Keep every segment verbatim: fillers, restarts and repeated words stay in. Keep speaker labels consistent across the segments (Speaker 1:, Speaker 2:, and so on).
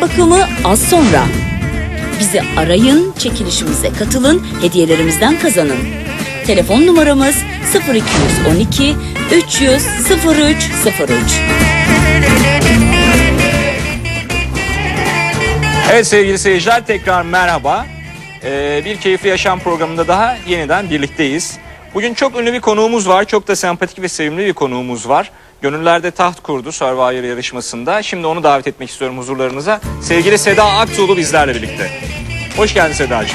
Speaker 1: bakımı az sonra. Bizi arayın, çekilişimize katılın, hediyelerimizden kazanın. Telefon numaramız sıfır iki on iki üç yüz sıfır üç sıfır üç.
Speaker 2: Evet sevgili seyirciler, tekrar merhaba. Ee, bir Keyifli Yaşam programında daha yeniden birlikteyiz. Bugün çok ünlü bir konuğumuz var. Çok da sempatik ve sevimli bir konuğumuz var. Gönüllerde taht kurdu Survivor yarışmasında. Şimdi onu davet etmek istiyorum huzurlarınıza. Sevgili Seda Aktuğlu bizlerle birlikte. Hoş geldin Sedacığım.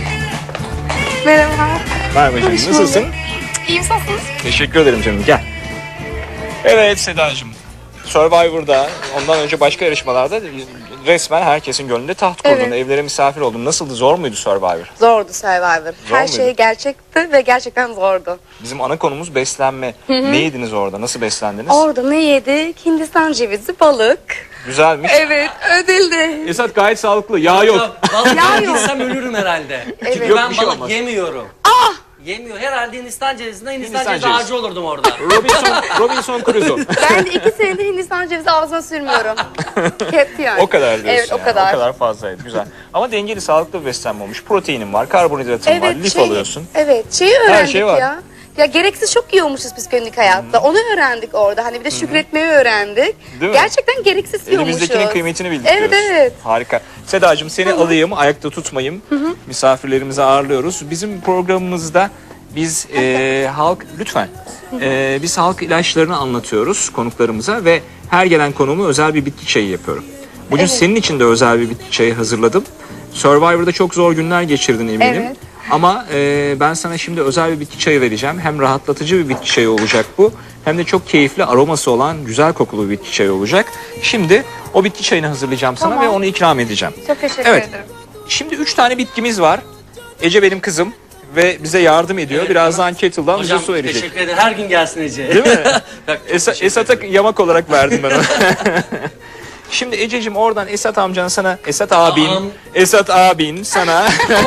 Speaker 3: Merhaba.
Speaker 2: Merhaba canım, nasılsın?
Speaker 3: İyiyim, nasılsınız?
Speaker 2: Teşekkür ederim canım, gel. Evet Sedacığım, Survivor'da, ondan önce başka yarışmalarda resmen herkesin gönlünde taht kurdun.
Speaker 3: Evet.
Speaker 2: Evlere misafir oldun. Nasıldı, zor muydu Survivor?
Speaker 3: Zordu Survivor.
Speaker 2: Zor
Speaker 3: Her
Speaker 2: muydu?
Speaker 3: şey gerçekti ve gerçekten zordu.
Speaker 2: Bizim ana konumuz beslenme. Ne yediniz orada? Nasıl beslendiniz?
Speaker 3: Orada ne yedik? Hindistan cevizi, balık.
Speaker 2: Güzelmiş.
Speaker 3: Evet, ödülde.
Speaker 2: Esat gayet sağlıklı. Yağ yok.
Speaker 4: Balık
Speaker 3: Yağ yok.
Speaker 4: yediysem ölürüm herhalde.
Speaker 3: Evet.
Speaker 4: Çünkü
Speaker 2: Yok,
Speaker 4: ben
Speaker 2: bir şey
Speaker 4: balık
Speaker 2: olmaz.
Speaker 4: yemiyorum. Yemiyor. Herhalde Hindistan cevizinden Hindistan,
Speaker 2: Hindistan
Speaker 4: cevizi
Speaker 2: cevizi.
Speaker 4: ağacı olurdum orada.
Speaker 2: Robinson, Robinson Crusoe.
Speaker 3: Ben de iki senedir Hindistan cevizi ağzına sürmüyorum. Hep yani.
Speaker 2: O kadar diyorsun
Speaker 3: Evet,
Speaker 2: yani.
Speaker 3: o kadar.
Speaker 2: O kadar fazlaydı. Güzel. Ama dengeli, sağlıklı bir beslenme olmuş. Proteinin var, karbonhidratın var, lif
Speaker 3: şey-
Speaker 2: alıyorsun.
Speaker 3: Evet, şeyi öğrendik
Speaker 2: şey var.
Speaker 3: ya. Ya gereksiz çok yiyormuşuz biz günlük hayatta. Onu öğrendik orada. Hani bir de şükretmeyi öğrendik.
Speaker 2: Değil mi?
Speaker 3: Gerçekten gereksiz yiyormuşuz.
Speaker 2: Elimizdekinin kıymetini bildik
Speaker 3: Evet,
Speaker 2: diyorsun.
Speaker 3: evet.
Speaker 2: Harika. Sedacığım, seni alayım, ayakta tutmayayım. Misafirlerimizi ağırlıyoruz. Bizim programımızda biz e, halk, lütfen, e, biz halk ilaçlarını anlatıyoruz konuklarımıza ve her gelen konuğuma özel bir bitki çayı yapıyorum. Bugün
Speaker 3: Evet.
Speaker 2: senin için de özel bir bitki çayı hazırladım. Survivor'da çok zor günler geçirdin eminim.
Speaker 3: Evet.
Speaker 2: Ama e, ben sana şimdi özel bir bitki çayı vereceğim. Hem rahatlatıcı bir bitki çayı olacak bu. Hem de çok keyifli, aroması olan, güzel kokulu bir bitki çayı olacak. Şimdi o bitki çayını hazırlayacağım sana
Speaker 3: Tamam.
Speaker 2: ve onu ikram edeceğim.
Speaker 3: Çok teşekkür
Speaker 2: Evet.
Speaker 3: ederim.
Speaker 2: Şimdi üç tane bitkimiz var. Ece benim kızım ve bize yardım ediyor.
Speaker 4: Evet,
Speaker 2: Birazdan kettle'dan bize
Speaker 4: Hocam
Speaker 2: su verecek.
Speaker 4: teşekkür ederim. Her gün gelsin Ece.
Speaker 2: Değil mi?
Speaker 4: Bak, çok
Speaker 2: Esa-
Speaker 4: teşekkür
Speaker 2: Esat'a
Speaker 4: ederim.
Speaker 2: yamak olarak verdim ben onu. Şimdi Ececiğim, oradan Esat amcan sana, Esat abin,
Speaker 4: Tamam.
Speaker 2: Esat abin sana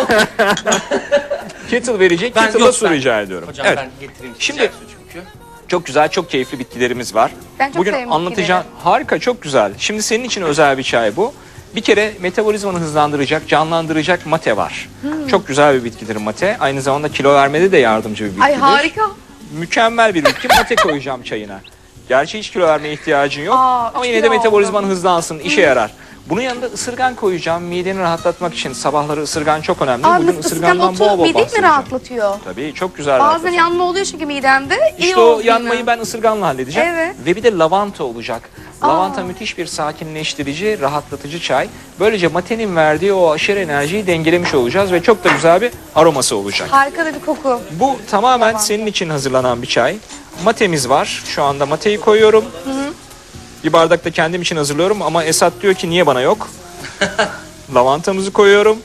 Speaker 2: kettle verecek.
Speaker 4: Ben-
Speaker 2: Kettle'da
Speaker 4: yok,
Speaker 2: su
Speaker 4: ben-
Speaker 2: rica ediyorum.
Speaker 4: Hocam
Speaker 2: Evet.
Speaker 4: ben getireyim.
Speaker 2: Şimdi-
Speaker 4: Şimdi çünkü.
Speaker 2: Çok güzel, çok keyifli bitkilerimiz var.
Speaker 3: Ben çok
Speaker 2: Bugün
Speaker 3: sevdim
Speaker 2: anlatacağım. Harika, çok güzel. Şimdi senin için özel bir çay bu. Bir kere metabolizmanı hızlandıracak, canlandıracak mate var.
Speaker 3: Hmm.
Speaker 2: Çok güzel bir bitkidir mate. Aynı zamanda kilo vermede de yardımcı bir bitkidir.
Speaker 3: Ay harika.
Speaker 2: Mükemmel bir bitki. Mate koyacağım çayına. Gerçi hiç kilo vermeye ihtiyacın yok.
Speaker 3: Aa,
Speaker 2: ama
Speaker 3: üç
Speaker 2: yine de
Speaker 3: kilo
Speaker 2: metabolizman
Speaker 3: oldum.
Speaker 2: hızlansın, işe yarar. Bunun yanında ısırgan koyacağım. Mideni rahatlatmak için. Sabahları ısırgan çok önemli.
Speaker 3: Aa,
Speaker 2: Bugün
Speaker 3: ısırgan
Speaker 2: ısırgandan
Speaker 3: otu
Speaker 2: bol bol
Speaker 3: mideyi mi
Speaker 2: bahsedeceğim.
Speaker 3: rahatlatıyor?
Speaker 2: Tabii, çok güzel
Speaker 3: Bazen
Speaker 2: rahatlatıyor.
Speaker 3: yanma oluyor çünkü midemde. İyi
Speaker 2: İşte o
Speaker 3: oldu
Speaker 2: yanmayı
Speaker 3: yine.
Speaker 2: ben ısırganla halledeceğim.
Speaker 3: Evet.
Speaker 2: Ve bir de lavanta olacak. Lavanta
Speaker 3: Aa.
Speaker 2: müthiş bir sakinleştirici, rahatlatıcı çay. Böylece matenin verdiği o aşırı enerjiyi dengelemiş olacağız ve çok da güzel bir aroması olacak.
Speaker 3: Harika da bir koku.
Speaker 2: Bu tamamen
Speaker 3: Lavanta.
Speaker 2: senin için hazırlanan bir çay. Matemiz var. Şu anda mateyi koyuyorum. Bir bardak da kendim için hazırlıyorum ama Esat diyor ki niye bana yok? Lavantamızı koyuyorum.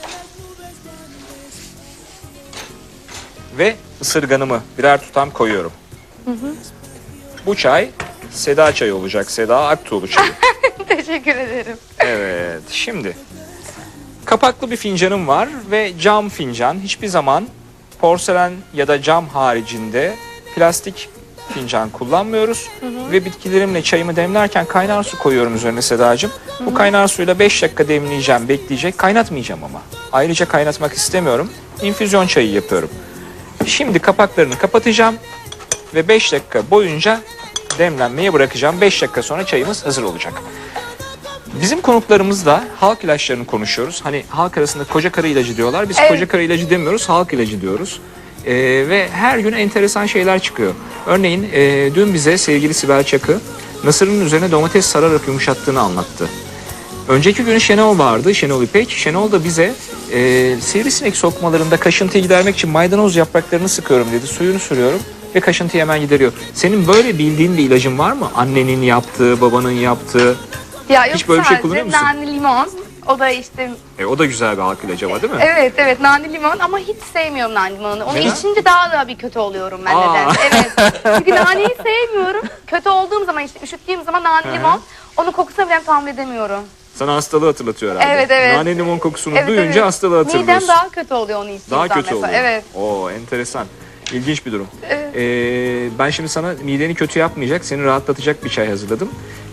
Speaker 2: Ve ısırganımı birer tutam koyuyorum. Bu çay Seda çayı olacak. Seda Aktuğlu çayı.
Speaker 3: Teşekkür ederim.
Speaker 2: Evet, şimdi kapaklı bir fincanım var ve cam fincan. Hiçbir zaman porselen ya da cam haricinde plastik fincan kullanmıyoruz. Ve bitkilerimle çayımı demlerken kaynar su koyuyorum üzerine Sedacığım. Bu kaynar suyla beş dakika demleyeceğim, bekleyecek. Kaynatmayacağım ama. Ayrıca kaynatmak istemiyorum. İnfüzyon çayı yapıyorum. Şimdi kapaklarını kapatacağım ve beş dakika boyunca demlenmeye bırakacağım. beş dakika sonra çayımız hazır olacak. Bizim konuklarımızla halk ilaçlarını konuşuyoruz. Hani halk arasında koca karı ilacı diyorlar. Biz
Speaker 3: Evet.
Speaker 2: koca karı ilacı demiyoruz, halk ilacı diyoruz. Ee, ve her gün enteresan şeyler çıkıyor. Örneğin e, dün bize sevgili Sibel Çakı Nasır'ın üzerine domates sararak yumuşattığını anlattı. Önceki gün Şenol vardı, Şenol İpek. Şenol da bize e, sivrisinek sokmalarında kaşıntıyı gidermek için maydanoz yapraklarını sıkıyorum dedi. Suyunu sürüyorum ve kaşıntıyı hemen gideriyor. Senin böyle bildiğin bir ilacın var mı? Annenin yaptığı, babanın yaptığı.
Speaker 3: Ya yok,
Speaker 2: Hiç böyle bir şey
Speaker 3: sadece
Speaker 2: kullanıyor musun?
Speaker 3: nane limon. O da işte
Speaker 2: E, o da güzel bir halk ilacı ama değil mi?
Speaker 3: evet evet nane limon ama hiç sevmiyorum nane limonunu. Onu
Speaker 2: Neden?
Speaker 3: içince daha da bir kötü oluyorum ben
Speaker 2: Aa.
Speaker 3: neden. Evet. Çünkü naneyi sevmiyorum. Kötü olduğum zaman işte üşüttüğüm zaman nane
Speaker 2: Hı hı.
Speaker 3: limon onun kokusunu bile tahammül edemiyorum.
Speaker 2: Sana hastalığı hatırlatıyor herhalde.
Speaker 3: Evet, evet.
Speaker 2: Nane limon kokusunu
Speaker 3: Evet,
Speaker 2: duyunca
Speaker 3: evet.
Speaker 2: hastalığı hatırlıyorsun.
Speaker 3: Midem daha kötü oluyor onu içtiğim
Speaker 2: Daha
Speaker 3: zaman
Speaker 2: kötü
Speaker 3: mesela.
Speaker 2: oluyor.
Speaker 3: Evet.
Speaker 2: Oo, enteresan. İlginç bir durum.
Speaker 3: Evet.
Speaker 2: Ee, ben şimdi sana mideni kötü yapmayacak, seni rahatlatacak bir çay hazırladım.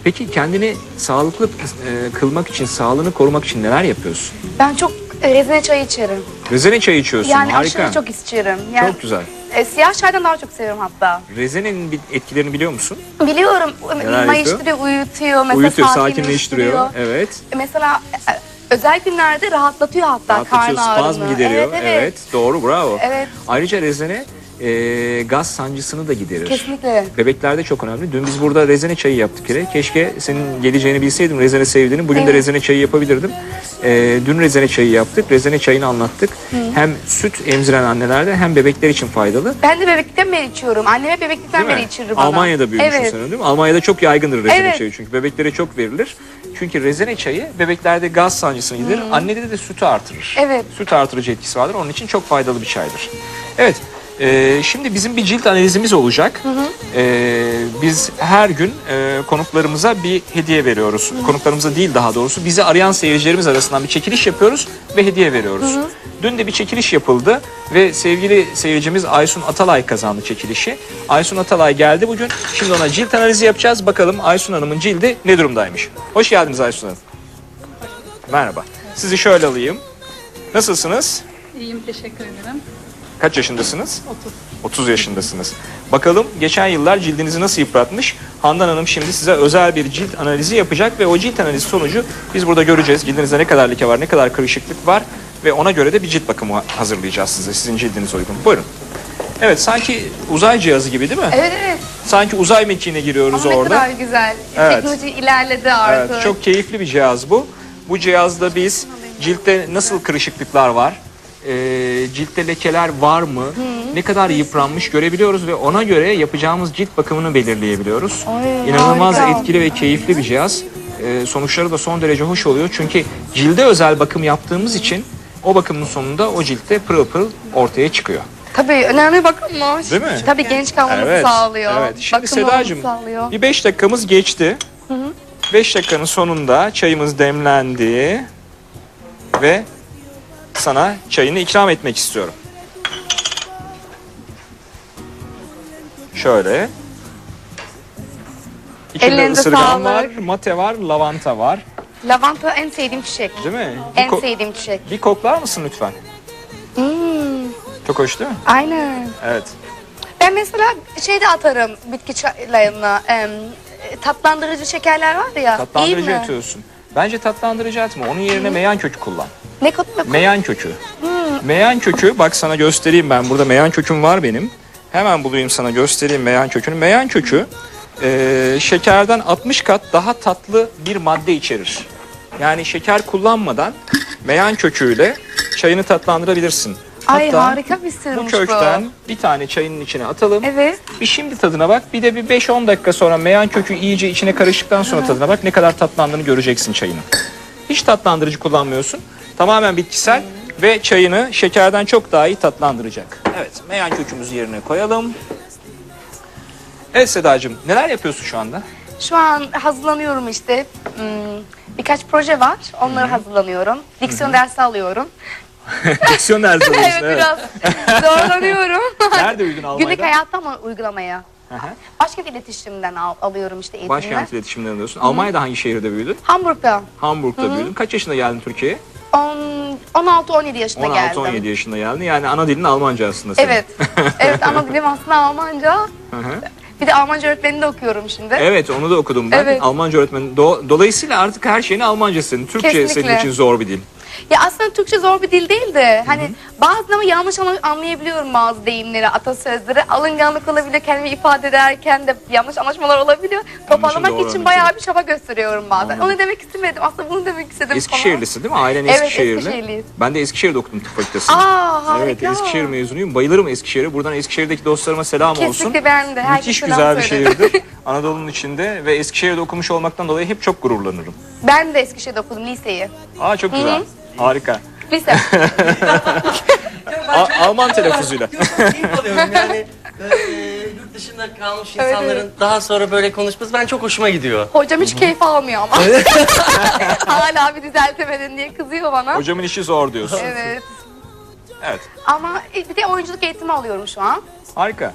Speaker 2: Peki kendini sağlıklı e, kılmak için, sağlığını korumak için neler yapıyorsun?
Speaker 3: Ben çok e, rezene çayı içerim.
Speaker 2: Rezene çayı içiyorsun,
Speaker 3: Yani
Speaker 2: harika.
Speaker 3: aşırı çok içerim. Yani,
Speaker 2: Çok güzel.
Speaker 3: E, siyah çaydan daha çok seviyorum hatta.
Speaker 2: Rezenenin bir etkilerini biliyor musun?
Speaker 3: Biliyorum.
Speaker 2: Neler
Speaker 3: Mayıştırıyor, uyutuyor. Mesela
Speaker 2: Uyutuyor,
Speaker 3: sakinleştiriyor.
Speaker 2: sakinleştiriyor. Evet.
Speaker 3: E, Mesela e, özel günlerde rahatlatıyor hatta
Speaker 2: Rahatlatıyor,
Speaker 3: karın ağrını.
Speaker 2: spazm gideriyor.
Speaker 3: Evet, evet.
Speaker 2: Doğru, bravo.
Speaker 3: Evet.
Speaker 2: Ayrıca rezene e, gaz sancısını da giderir.
Speaker 3: Kesinlikle.
Speaker 2: Bebeklerde çok önemli. Dün biz burada rezene çayı yaptık yine. Keşke senin geleceğini bilseydim, rezene sevdiğini. Bugün de
Speaker 3: Evet.
Speaker 2: rezene çayı yapabilirdim. Ee, dün rezene çayı yaptık. Rezene çayını anlattık. Hem süt emziren annelerde hem bebekler için faydalı.
Speaker 3: Ben de bebeklikten beri içiyorum. Anneme bebeklikten
Speaker 2: Değil mi?
Speaker 3: beri içirir bana.
Speaker 2: Almanya'da büyümüşsün
Speaker 3: Evet.
Speaker 2: sen, değil mi? Almanya'da çok yaygındır rezene
Speaker 3: Evet.
Speaker 2: çayı çünkü. Bebeklere çok verilir. Çünkü rezene çayı bebeklerde gaz sancısını giderir. Annede de sütü artırır.
Speaker 3: Evet.
Speaker 2: Süt artırıcı etkisi vardır. Onun için çok faydalı bir çaydır. Evet. e, şimdi bizim bir cilt analizimiz olacak. E, biz her gün e, konuklarımıza bir hediye veriyoruz. Konuklarımıza değil, daha doğrusu bizi arayan seyircilerimiz arasından bir çekiliş yapıyoruz ve hediye veriyoruz. Dün de bir çekiliş yapıldı ve sevgili seyircimiz Aysun Atalay kazandı çekilişi. Aysun Atalay geldi bugün. Şimdi ona cilt analizi yapacağız. Bakalım Aysun Hanım'ın cildi ne durumdaymış. Hoş geldiniz Aysun Hanım. Merhaba. Sizi şöyle alayım. Nasılsınız?
Speaker 5: İyiyim, teşekkür ederim.
Speaker 2: Kaç yaşındasınız?
Speaker 5: otuz.
Speaker 2: otuz yaşındasınız. Bakalım geçen yıllar cildinizi nasıl yıpratmış? Handan Hanım şimdi size özel bir cilt analizi yapacak ve o cilt analizi sonucu biz burada göreceğiz. Cildinizde ne kadar leke var, ne kadar kırışıklık var ve ona göre de bir cilt bakımı hazırlayacağız size. Sizin cildinize uygun. Buyurun. Evet, sanki uzay cihazı gibi değil mi?
Speaker 3: Evet evet.
Speaker 2: Sanki uzay mekiğine giriyoruz
Speaker 3: Ama ne
Speaker 2: orada.
Speaker 3: kadar güzel.
Speaker 2: Evet.
Speaker 3: Teknoloji ilerledi artık.
Speaker 2: Evet, çok keyifli bir cihaz bu. Bu cihazda biz ciltte nasıl kırışıklıklar var, e, ciltte lekeler var mı, ne kadar yıpranmış görebiliyoruz ve ona göre yapacağımız cilt bakımını belirleyebiliyoruz.
Speaker 3: Ay,
Speaker 2: İnanılmaz
Speaker 3: harika.
Speaker 2: etkili ve keyifli bir cihaz. E, sonuçları da son derece hoş oluyor çünkü cilde özel bakım yaptığımız için o bakımın sonunda o ciltte pırıl pırıl ortaya çıkıyor.
Speaker 3: Tabii önemli bakımmış.
Speaker 2: Değil mi?
Speaker 3: Tabii genç kalmamızı sağlıyor.
Speaker 2: Evet. Şimdi
Speaker 3: Bakım
Speaker 2: Sedacığım
Speaker 3: olmamızı sağlıyor.
Speaker 2: bir beş dakikamız geçti. beş dakikanın sonunda çayımız demlendi ve sana çayını ikram etmek istiyorum. Şöyle. İçinde
Speaker 3: Ellerinize
Speaker 2: ısırgan
Speaker 3: sağlık.
Speaker 2: var, mate var, lavanta var.
Speaker 3: Lavanta en sevdiğim çiçek.
Speaker 2: Değil mi? Bir,
Speaker 3: En
Speaker 2: ko-
Speaker 3: sevdiğim çiçek.
Speaker 2: bir koklar mısın lütfen?
Speaker 3: Hmm,
Speaker 2: Çok hoş değil mi?
Speaker 3: aynen.
Speaker 2: Evet.
Speaker 3: Ben mesela şey de atarım bitki çaylarına. em, tatlandırıcı şekerler var ya. iyi
Speaker 2: Tatlandırıcı
Speaker 3: mi?
Speaker 2: atıyorsun. Bence tatlandırıcı atma. Onun yerine meyan kökü kullan.
Speaker 3: Ne kadar
Speaker 2: Meyan kökü. Meyan kökü, bak sana göstereyim ben. Burada meyan köküm var benim. Hemen bulayım sana göstereyim meyan kökünü. Meyan kökü e, şekerden altmış kat daha tatlı bir madde içerir. Yani şeker kullanmadan meyan köküyle çayını tatlandırabilirsin.
Speaker 3: Ay
Speaker 2: Hatta
Speaker 3: harika bir
Speaker 2: bu
Speaker 3: sırmış
Speaker 2: kökten bir tane çayının içine atalım.
Speaker 3: Evet.
Speaker 2: Bir şimdi tadına bak. Bir de bir beş on dakika sonra meyan kökü iyice içine karıştıktan sonra tadına bak. Ne kadar tatlandığını göreceksin çayının. Hiç tatlandırıcı kullanmıyorsun. Tamamen bitkisel ve çayını şekerden çok daha iyi tatlandıracak. Evet, meyan kökümüzü yerine koyalım. Evet Sedacığım, neler yapıyorsun şu anda?
Speaker 3: Şu an hazırlanıyorum işte. Hmm, birkaç proje var. Onları hazırlanıyorum. Diksiyon dersi alıyorum.
Speaker 2: Diksiyon dersi alıyorsun,
Speaker 3: evet,
Speaker 2: evet.
Speaker 3: biraz zorlanıyorum.
Speaker 2: Nerede uygun Almanya'da?
Speaker 3: Günlük hayatta mı uygulamaya?
Speaker 2: Hı hı.
Speaker 3: Başkent iletişimden al- alıyorum işte eğitimler.
Speaker 2: Başkent iletişimden alıyorsun. Almanya'da hangi şehirde büyüdün?
Speaker 3: Hamburg'da.
Speaker 2: Hamburg'da büyüdün. Kaç yaşında geldin Türkiye'ye?
Speaker 3: on- on altı on yedi yaşında
Speaker 2: on altı
Speaker 3: geldim.
Speaker 2: on yedi yaşında geldin. Yani ana dilin Almanca aslında senin.
Speaker 3: Evet. Evet ana dilim aslında Almanca.
Speaker 2: Hı hı.
Speaker 3: Bir de Almanca öğretmenini de okuyorum şimdi.
Speaker 2: Evet, onu da okudum ben.
Speaker 3: Evet.
Speaker 2: Almanca öğretmeni. Do- Dolayısıyla artık her şeyini Almanca senin. Türkçe
Speaker 3: Kesinlikle.
Speaker 2: senin için zor bir dil.
Speaker 3: Ya aslında Türkçe zor bir dil değil de hani bazen ama yanlış anla- anlayabiliyorum bazı deyimleri, atasözleri. Alınganlık olabiliyor, kendimi ifade ederken de yanlış anlaşmalar olabiliyor. Toparlamak
Speaker 2: doğru
Speaker 3: için
Speaker 2: anlatıyor.
Speaker 3: bayağı bir çaba gösteriyorum bazen. Onu demek istemedim. Aslında bunu demek istedim falan.
Speaker 2: Eskişehirlisin değil mi? Ailen
Speaker 3: Evet,
Speaker 2: Eskişehirli.
Speaker 3: Eskişehirliyiz.
Speaker 2: Ben de Eskişehir'de okudum tıp fakültesinde.
Speaker 3: Aa harika.
Speaker 2: Evet, Eskişehir mezunuyum. Bayılırım Eskişehir'e. Buradan Eskişehir'deki dostlarıma selam olsun.
Speaker 3: Kesinlikle ben de. Herkese
Speaker 2: Müthiş
Speaker 3: selam
Speaker 2: güzel bir
Speaker 3: söylerim.
Speaker 2: şehirdir. Anadolu'nun içinde ve Eskişehir'de okumuş olmaktan dolayı hep çok gururlanırım.
Speaker 3: Ben de Eskişehir'de okudum liseyi.
Speaker 2: Aa çok güzel.
Speaker 3: Hı.
Speaker 2: Harika.
Speaker 3: Lise.
Speaker 2: A- Alman telaffuzuyla.
Speaker 4: Keyif alıyorum yani. Böyle, e, yurt dışında kalmış
Speaker 3: Evet,
Speaker 4: insanların
Speaker 3: evet.
Speaker 4: daha sonra böyle konuşması ben çok hoşuma gidiyor.
Speaker 3: Hocam hiç keyif almıyor ama. Hala bir düzeltemedin diye kızıyor bana.
Speaker 2: Hocamın işi zor diyorsun.
Speaker 3: Evet.
Speaker 2: Evet.
Speaker 3: Ama bir de oyunculuk eğitimi alıyorum şu an.
Speaker 2: Harika.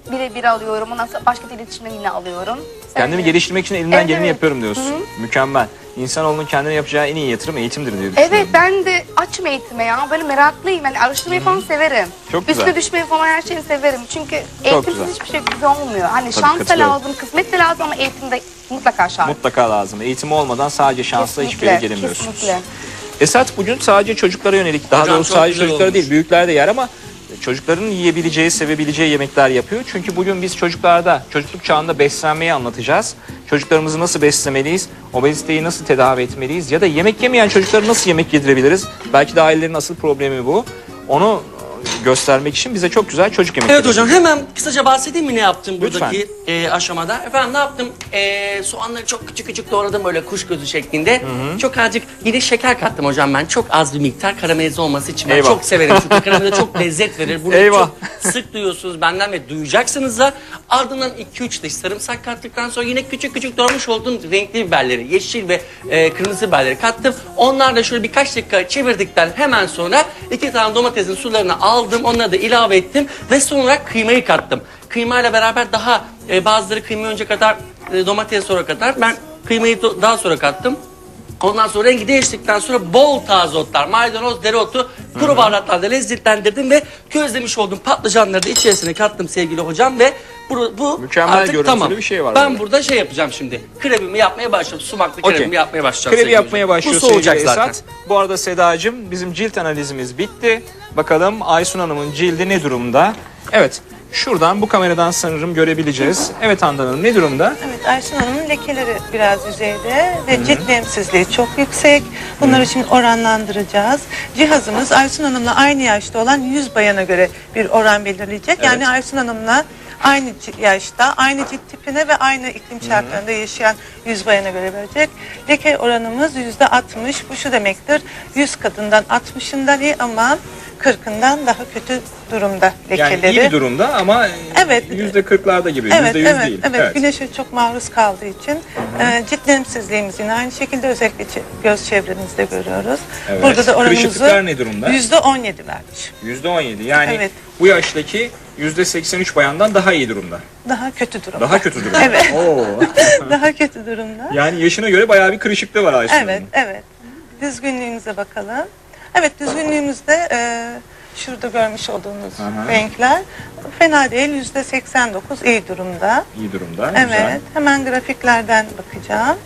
Speaker 3: birebir alıyorum. Ondan sonra başka iletişimden yine alıyorum.
Speaker 2: Kendimi
Speaker 3: Öyle.
Speaker 2: geliştirmek için elimden
Speaker 3: Evet,
Speaker 2: geleni
Speaker 3: evet.
Speaker 2: yapıyorum diyorsun. Mükemmel. İnsanoğlunun kendine yapacağı en iyi yatırım eğitimdir diye düşünüyorum.
Speaker 3: Evet, ben de açım eğitime ya. Böyle meraklıyım. Yani araştırmayı falan severim.
Speaker 2: Çok güzel.
Speaker 3: Üstüne düşmeyi falan her şeyi severim. Çünkü eğitimsiz
Speaker 2: güzel.
Speaker 3: hiçbir şey güzel olmuyor. Hani şans da
Speaker 2: katılıyorum.
Speaker 3: lazım, kısmet de lazım ama eğitimde mutlaka şart.
Speaker 2: Mutlaka lazım. Eğitimi olmadan sadece şansla hiçbir yere gelemiyorsunuz.
Speaker 3: Kesinlikle.
Speaker 2: Esat bugün sadece çocuklara yönelik, daha
Speaker 4: Hocam
Speaker 2: doğrusu
Speaker 4: çok
Speaker 2: sadece
Speaker 4: güzel
Speaker 2: çocuklara
Speaker 4: olmuş.
Speaker 2: değil, büyükler de yer ama çocukların yiyebileceği, sevebileceği yemekler yapıyor. Çünkü bugün biz çocuklarda, çocukluk çağında beslenmeyi anlatacağız. Çocuklarımızı nasıl beslemeliyiz, obeziteyi nasıl tedavi etmeliyiz ya da yemek yemeyen çocuklara nasıl yemek yedirebiliriz? Belki de ailelerin asıl problemi bu. Onu göstermek için bize çok güzel çocuk yemekleri.
Speaker 4: Evet hocam, hemen kısaca bahsedeyim mi ne yaptım buradaki
Speaker 2: Lütfen.
Speaker 4: e, aşamada. Efendim ne yaptım? E, soğanları çok küçük küçük doğradım böyle kuş gözü şeklinde. Çok azıcık yine şeker kattım hocam ben. Çok az bir miktar karamelize olması için. Ben
Speaker 2: Eyvah.
Speaker 4: çok severim çünkü karamelize çok lezzet verir. Bunu
Speaker 2: Eyvah.
Speaker 4: çok sık duyuyorsunuz benden ve duyacaksınız da. Ardından iki üç diş sarımsak kattıktan sonra yine küçük küçük doğramış olduğum renkli biberleri, yeşil ve e, kırmızı biberleri kattım. Onlar da şöyle birkaç dakika çevirdikten hemen sonra iki tane domatesin sularını aldım. Onları da ilave ettim ve sonra kıymayı kattım. Kıymayla beraber daha e, bazıları kıymayı önce kadar e, domates sonra kadar. Ben kıymayı do- daha sonra kattım. Ondan sonra rengi değiştikten sonra bol taze otlar, maydanoz, dereotu, kuru baharatlarla lezzetlendirdim ve közlemiş olduğum patlıcanları da içerisine kattım sevgili hocam ve bu, bu
Speaker 2: Mükemmel
Speaker 4: artık
Speaker 2: görüntülü
Speaker 4: tamam.
Speaker 2: bir şey var
Speaker 4: Ben
Speaker 2: burada.
Speaker 4: burada şey yapacağım şimdi. Kremimi yapmaya başladım. Sumaklı
Speaker 2: Okey.
Speaker 4: kremimi yapmaya başlayacağım.
Speaker 2: Krebi
Speaker 4: sevgili
Speaker 2: yapmaya
Speaker 4: hocam.
Speaker 2: başlıyor
Speaker 4: Bu soğuyacak
Speaker 2: sevgili
Speaker 4: zaten.
Speaker 2: Esat. Bu arada Sedacığım, bizim cilt analizimiz bitti. Bakalım Aysun Hanım'ın cildi ne durumda? Evet, şuradan bu kameradan sanırım görebileceğiz. Evet Handan Hanım, ne durumda?
Speaker 5: Evet, Aysun Hanım'ın lekeleri biraz yüzeyde ve cilt nemsizliği çok yüksek. Bunları şimdi oranlandıracağız. Cihazımız Aysun Hanım'la aynı yaşta olan yüz bayana göre bir oran belirleyecek. Yani Aysun Hanım'la aynı ci- yaşta, aynı cilt tipine ve aynı iklim şartlarında yaşayan yüz bayana göre verecek. Leke oranımız yüzde altmış. Bu şu demektir, yüz kadından altmışından iyi ama kırkından daha kötü durumda lekeleri.
Speaker 2: Yani iyi bir durumda ama
Speaker 5: Evet.
Speaker 2: yüzde kırklarda gibi,
Speaker 5: Evet,
Speaker 2: yüzde yüz
Speaker 5: evet,
Speaker 2: değil.
Speaker 5: evet, Güneşe çok maruz kaldığı için e, cilt nemsizliğimiz yine aynı şekilde özellikle çe- göz çevremizde görüyoruz.
Speaker 2: Evet.
Speaker 5: Burada da
Speaker 2: Kırışıklıklar
Speaker 5: oranımızı
Speaker 2: ne durumda?
Speaker 5: yüzde on yedi vermiş.
Speaker 2: yüzde on yedi. Yani
Speaker 5: Evet.
Speaker 2: bu yaştaki yüzde seksen üç bayandan daha iyi durumda.
Speaker 5: Daha kötü durumda.
Speaker 2: Daha kötü durumda.
Speaker 5: Evet.
Speaker 2: Oo.
Speaker 5: Daha kötü durumda.
Speaker 2: Yani yaşına göre bayağı bir kırışıklığı var Aysun
Speaker 5: Evet,
Speaker 2: Hanım'ın.
Speaker 5: evet. Düzgünlüğümüze bakalım. Evet, düzgünlüğümüzde e, şurada görmüş olduğunuz
Speaker 2: Aha.
Speaker 5: renkler fena değil. yüzde seksen dokuz iyi durumda.
Speaker 2: İyi durumda.
Speaker 5: Evet,
Speaker 2: Güzel.
Speaker 5: hemen grafiklerden bakacağım.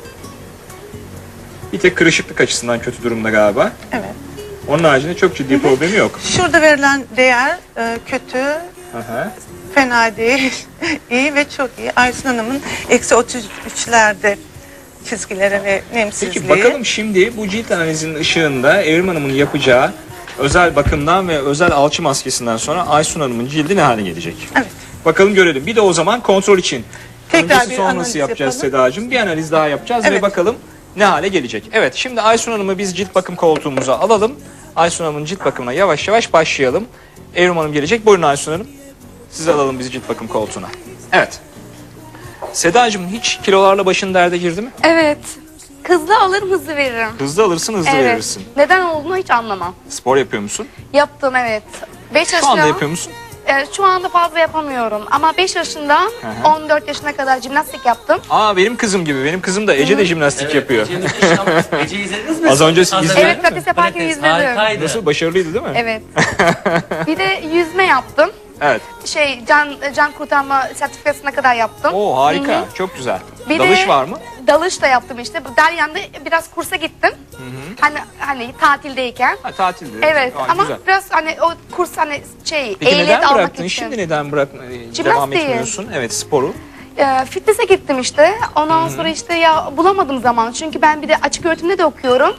Speaker 2: Bir tek kırışıklık açısından kötü durumda galiba.
Speaker 5: Evet.
Speaker 2: Onun haricinde çok ciddi problemi yok.
Speaker 5: Şurada verilen değer e, kötü,
Speaker 2: Aha.
Speaker 5: fena değil, iyi ve çok iyi. Aysun Hanım'ın eksi otuz üçlerde çizgileri ve nemsizliği.
Speaker 2: Peki bakalım şimdi bu cilt analizinin ışığında Evrim Hanım'ın yapacağı özel bakımdan ve özel alçı maskesinden sonra Aysun Hanım'ın cildi ne hale gelecek?
Speaker 5: Evet.
Speaker 2: Bakalım görelim. Bir de o zaman kontrol için.
Speaker 5: Tekrar
Speaker 2: Öncesi
Speaker 5: bir
Speaker 2: sonrası
Speaker 5: analiz
Speaker 2: yapacağız
Speaker 5: yapalım.
Speaker 2: Sedacığım. Bir analiz daha yapacağız ve
Speaker 5: Evet.
Speaker 2: bakalım ne hale gelecek. Evet, şimdi Aysun Hanım'ı biz cilt bakım koltuğumuza alalım. Aysun Hanım'ın cilt bakımına yavaş yavaş başlayalım. Evrim Hanım gelecek. Buyurun Aysun Hanım. Siz alalım bizi cilt bakım koltuğuna. Evet. Sedacığım hiç kilolarla başın derde girdi mi?
Speaker 3: Evet. Hızlı alırım, hızlı veririm.
Speaker 2: Hızlı alırsın, hızlı
Speaker 3: Evet.
Speaker 2: verirsin.
Speaker 3: Neden olduğunu hiç anlamam.
Speaker 2: Spor yapıyor musun?
Speaker 3: Yaptım, evet. beş
Speaker 2: Şu anda
Speaker 3: yaşında,
Speaker 2: yapıyor musun?
Speaker 3: e, şu anda fazla yapamıyorum. Ama beş yaşından
Speaker 2: hı.
Speaker 3: on dört yaşına kadar jimnastik yaptım.
Speaker 2: Aa benim kızım gibi. Benim kızım da Ece de jimnastik yapıyor.
Speaker 4: Ece'nin iş ama- Ece'yi izlediniz mi?
Speaker 2: Az önce siz
Speaker 4: Az
Speaker 2: izlediniz
Speaker 3: Evet, pilates yaparken
Speaker 4: Pilates,
Speaker 3: izledim.
Speaker 4: harikaydı.
Speaker 2: Nasıl? Başarılıydı değil mi?
Speaker 3: Evet. Bir de yüzme yaptım.
Speaker 2: Evet.
Speaker 3: Şey, can can kurtarma sertifikasına kadar yaptım.
Speaker 2: Oo harika.
Speaker 3: Hı hı.
Speaker 2: Çok güzel.
Speaker 3: Bir
Speaker 2: Dalış
Speaker 3: de-
Speaker 2: var mı?
Speaker 3: Dalış da yaptım işte. Dalyan'da biraz kursa gittim. Hani hani tatildeyken.
Speaker 2: Ha tatilde.
Speaker 3: Evet,
Speaker 2: Aa,
Speaker 3: ama
Speaker 2: güzel.
Speaker 3: biraz hani o kurs hani şey
Speaker 2: Peki
Speaker 3: ehliyet
Speaker 2: neden
Speaker 3: almak
Speaker 2: bıraktın?
Speaker 3: için.
Speaker 2: Şimdi neden bırak e, devam
Speaker 3: Jimnastiği.
Speaker 2: etmiyorsun? Evet sporu.
Speaker 3: Ee, fitness'e gittim işte. Ondan sonra işte ya bulamadım zaman. Çünkü ben bir de açık öğretimde de okuyorum.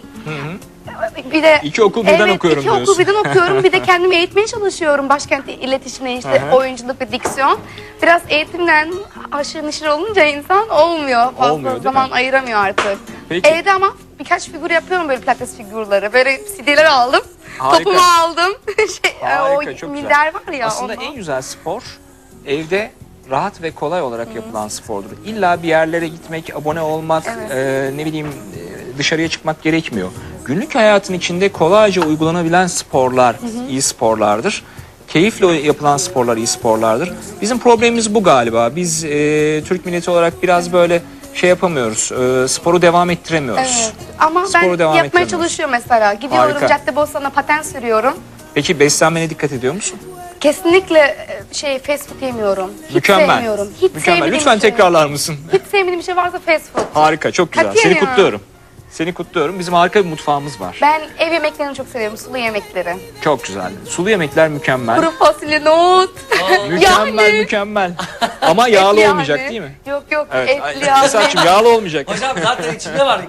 Speaker 3: Bir de
Speaker 2: İki okul birden
Speaker 3: evet,
Speaker 2: okuyorum
Speaker 3: iki
Speaker 2: diyorsun.
Speaker 3: okul birden okuyorum. Bir de kendimi eğitmeye çalışıyorum. Başkent iletişimine işte
Speaker 2: Hı hı.
Speaker 3: oyunculuk ve diksiyon. Biraz eğitimden aşırı neşir olunca insan olmuyor. Fazla
Speaker 2: Olmuyor, değil
Speaker 3: zaman
Speaker 2: mi?
Speaker 3: ayıramıyor artık.
Speaker 2: Peki.
Speaker 3: Evde ama birkaç figür yapıyorum böyle pilates figürleri. Böyle C D'ler aldım.
Speaker 2: Harika.
Speaker 3: Topumu aldım. şey,
Speaker 2: Harika,
Speaker 3: o
Speaker 2: çok güzel.
Speaker 3: minder var ya.
Speaker 2: Aslında
Speaker 3: ondan.
Speaker 2: en güzel spor evde rahat ve kolay olarak yapılan spordur. İlla bir yerlere gitmek, abone olmak,
Speaker 3: Evet.
Speaker 2: e, ne bileyim e, dışarıya çıkmak gerekmiyor. Günlük hayatın içinde kolayca uygulanabilen sporlar iyi sporlardır. keyifle yapılan sporlar iyi sporlardır. Bizim problemimiz bu galiba. Biz e, Türk milleti olarak biraz böyle şey yapamıyoruz. E, sporu devam ettiremiyoruz.
Speaker 3: Evet. Ama
Speaker 2: Sporu
Speaker 3: ben
Speaker 2: devam
Speaker 3: yapmaya
Speaker 2: ettiremiyoruz.
Speaker 3: çalışıyorum mesela. Gidiyorum
Speaker 2: Harika.
Speaker 3: Caddebostan'a paten sürüyorum.
Speaker 2: Peki beslenmene dikkat ediyor musun?
Speaker 3: Kesinlikle e, şey fast food yemiyorum. Hiç
Speaker 2: Mükemmel.
Speaker 3: sevmiyorum. Hiç
Speaker 2: Mükemmel.
Speaker 3: sevmediğim
Speaker 2: Lütfen
Speaker 3: bir şey.
Speaker 2: tekrarlar mısın?
Speaker 3: Hiç sevmediğim bir şey varsa fast food.
Speaker 2: Harika, çok güzel.
Speaker 3: Katiyen
Speaker 2: Seni
Speaker 3: ya.
Speaker 2: kutluyorum. Seni kutluyorum. Bizim harika bir mutfağımız var.
Speaker 3: Ben ev yemeklerini çok seviyorum. Sulu yemekleri.
Speaker 2: Çok güzel. Sulu yemekler mükemmel.
Speaker 3: Kuru fasulye, nohut.
Speaker 2: Mükemmel,
Speaker 3: Yani.
Speaker 2: mükemmel. Ama yağlı
Speaker 3: Etli
Speaker 2: olmayacak
Speaker 3: yani.
Speaker 2: değil mi?
Speaker 3: Yok yok
Speaker 2: Evet.
Speaker 3: etli yağlı.
Speaker 2: Esat'cığım yağlı olmayacak.
Speaker 4: Hocam zaten içinde var.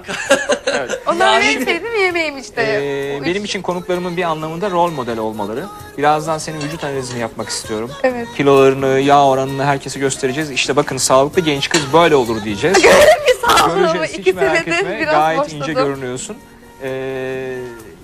Speaker 3: Onlar
Speaker 4: Yani-
Speaker 3: benim sevdiğim yemeğim işte.
Speaker 2: Ee,
Speaker 3: O
Speaker 2: benim
Speaker 3: iç-
Speaker 2: için konuklarımın bir anlamında rol model olmaları. Birazdan senin vücut analizini yapmak istiyorum.
Speaker 3: Evet.
Speaker 2: Kilolarını, yağ oranını herkese göstereceğiz. İşte bakın sağlıklı genç kız böyle olur diyeceğiz.
Speaker 3: Bir sağ olun ama
Speaker 2: Göreceğiz. Hiç
Speaker 3: iki
Speaker 2: merak
Speaker 3: senedir
Speaker 2: etme.
Speaker 3: biraz
Speaker 2: Gayet
Speaker 3: boşladım.
Speaker 2: ince görünüyorsun. Ee,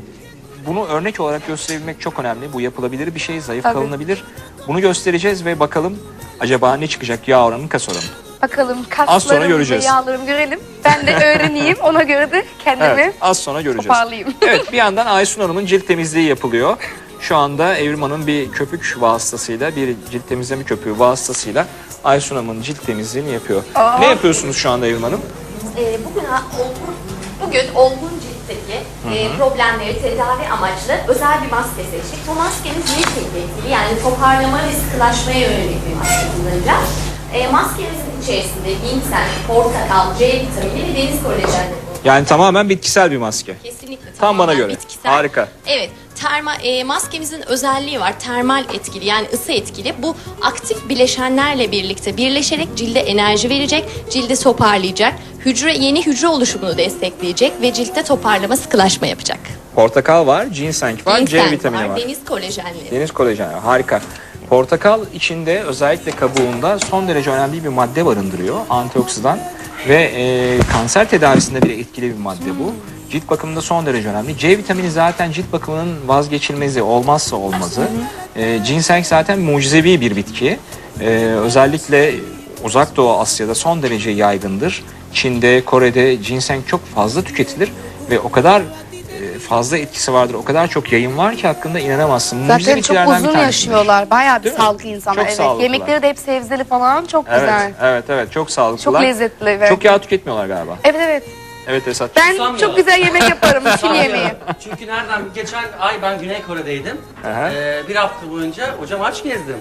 Speaker 2: bunu örnek olarak gösterebilmek çok önemli. Bu yapılabilir bir şey, zayıf
Speaker 3: Tabii.
Speaker 2: kalınabilir. Bunu göstereceğiz ve bakalım acaba ne çıkacak yağ oranı, kas oranı.
Speaker 3: Bakalım
Speaker 2: Az sonra
Speaker 3: kaslarımı ve
Speaker 2: göreceğiz.
Speaker 3: yağlarımı görelim. Ben de öğreneyim. Ona göre de kendimi
Speaker 2: Evet, az sonra göreceğiz.
Speaker 3: toparlayayım.
Speaker 2: Evet, bir yandan Aysun Hanım'ın cilt temizliği yapılıyor. Şu anda Evrim Hanım bir köpük vasıtasıyla, bir cilt temizleme köpüğü vasıtasıyla Aysun Hanım'ın cilt temizliğini yapıyor.
Speaker 3: Aa.
Speaker 2: Ne yapıyorsunuz şu anda Evrim Hanım?
Speaker 6: Ee, bugün olgun, bugün olgun ciltteki e, problemleri tedavi amaçlı özel bir maske seçtik. Bu maskemiz lifting etkili, yani toparlama ve sıkılaşmaya yönelik bir maske kullanacağız. E, maskemizin içerisinde ginseng, portakal, C vitamini ve deniz kolajenleri bulunuyor.
Speaker 2: Yani tamamen bitkisel bir maske.
Speaker 6: Kesinlikle
Speaker 2: Tam
Speaker 6: tamamen
Speaker 2: bana göre.
Speaker 6: bitkisel.
Speaker 2: Harika.
Speaker 6: Evet, terma, e, maskemizin özelliği var. Termal etkili, yani ısı etkili. Bu aktif bileşenlerle birlikte birleşerek cilde enerji verecek, cildi toparlayacak, hücre yeni hücre oluşumunu destekleyecek ve ciltte toparlama, sıkılaşma yapacak.
Speaker 2: Portakal var, ginseng var, C
Speaker 6: Ginseng
Speaker 2: vitamini var.
Speaker 6: deniz kolajenleri.
Speaker 2: Deniz kolajen var. Harika. Portakal içinde özellikle kabuğunda son derece önemli bir madde barındırıyor. Antioksidan ve e, kanser tedavisinde bile etkili bir madde bu. Cilt bakımında son derece önemli. C vitamini zaten cilt bakımının vazgeçilmezi, olmazsa olmazı. E, ginseng zaten mucizevi bir bitki. E, özellikle Uzak Doğu Asya'da son derece yaygındır. Çin'de, Kore'de ginseng çok fazla tüketilir ve o kadar e, fazla etkisi vardır. O kadar çok yayın var ki hakkında inanamazsın. Mucize
Speaker 3: Zaten çok
Speaker 2: bitkilerden bir
Speaker 3: uzun
Speaker 2: tanesidir.
Speaker 3: yaşıyorlar. Bayağı bir
Speaker 2: Değil mi?
Speaker 3: sağlıklı insanlar.
Speaker 2: Çok
Speaker 3: Evet.
Speaker 2: sağlıklılar.
Speaker 3: Yemekleri de hep sebzeli falan. Çok
Speaker 2: Evet,
Speaker 3: güzel.
Speaker 2: evet, evet. Çok sağlıklılar.
Speaker 3: Çok lezzetli. Evet.
Speaker 2: Çok yağ tüketmiyorlar galiba.
Speaker 3: Evet evet.
Speaker 2: Evet Esat.
Speaker 3: Ben
Speaker 4: Susamıyorlar.
Speaker 3: çok güzel yemek yaparım. Çin yemeği.
Speaker 4: Çünkü nereden? Geçen ay ben Güney Kore'deydim.
Speaker 2: Aha.
Speaker 4: Ee, bir hafta boyunca hocam aç gezdim.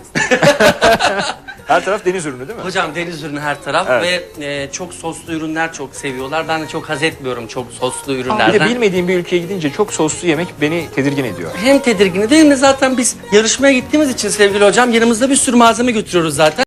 Speaker 2: Her taraf deniz ürünü değil mi?
Speaker 4: Hocam deniz ürünü her taraf
Speaker 2: Evet.
Speaker 4: ve e, çok soslu ürünler çok seviyorlar. Ben de çok haz etmiyorum çok soslu
Speaker 2: Bir de
Speaker 4: ürünlerden.
Speaker 2: bilmediğim bir ülkeye gidince çok soslu yemek beni tedirgin ediyor.
Speaker 4: Hem tedirgin değil mi? Zaten biz yarışmaya gittiğimiz için sevgili hocam yanımızda bir sürü malzeme götürüyoruz zaten.